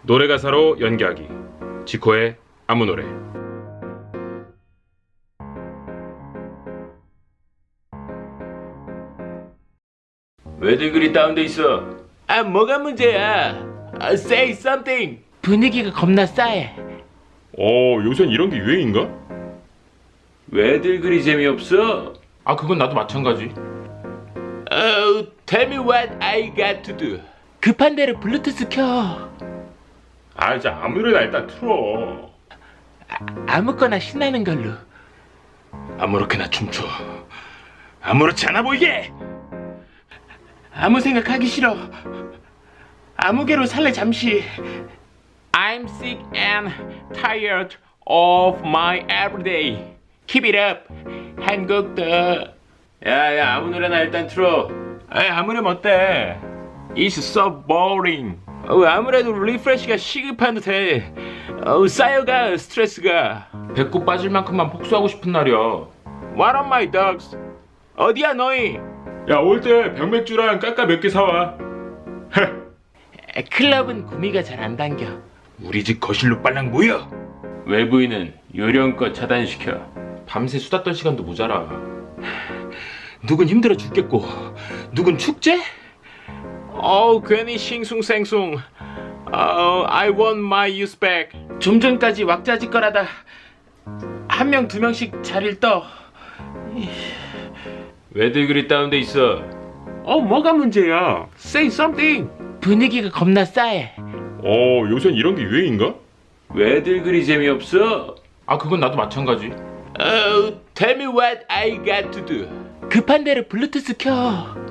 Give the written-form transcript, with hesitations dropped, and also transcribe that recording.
노래 가사로 연기하기. 지코의 아무 노래. 왜들 그리 다운돼 있어? 아, 뭐가 문제야? Say something. 분위기가 겁나 싸해. 요샌 이런 게 유행인가? 왜들 그리 재미없어? 아, 그건 나도 마찬가지. Tell me what I got to do. 급한 대로 블루투스 켜. 아, 진짜 아무 노래나 일단 틀어. 아무거나 신나는 걸로. 아무렇게나 춤춰. 아무렇지 않아 보이게. 아무 생각하기 싫어. 아무개로 살래 잠시. I'm sick and tired of my everyday. Keep it up. 한국도. 야야, 아무 노래나 일단 틀어. 에이, 아무 노래 어때? It's so boring. 아무래도 리프레시가 시급한 듯해. 쌓여가 스트레스가. 배꼽 빠질 만큼만 복수하고 싶은 날이야. What are my dogs? 어디야 너희? 야, 올 때 병맥주랑 까까 몇 개 사와. 클럽은 구미가 잘 안 당겨. 우리 집 거실로 빨랑 모여. 외부인은 요령껏 차단시켜. 밤새 수다 떨 시간도 모자라. 누군 힘들어 죽겠고 누군 축제? 괜히 싱숭생숭. I want my youth back. 좀 전까지 왁자지껄하다 한 명 두 명씩 자리를 떠. 왜들 그리 다운돼 있어? 뭐가 문제야? Say something. 분위기가 겁나 싸해. 요샌 이런 게 유행인가? 왜들 그리 재미없어? 아, 그건 나도 마찬가지. Tell me what I got to do. 급한 대로 블루투스 켜.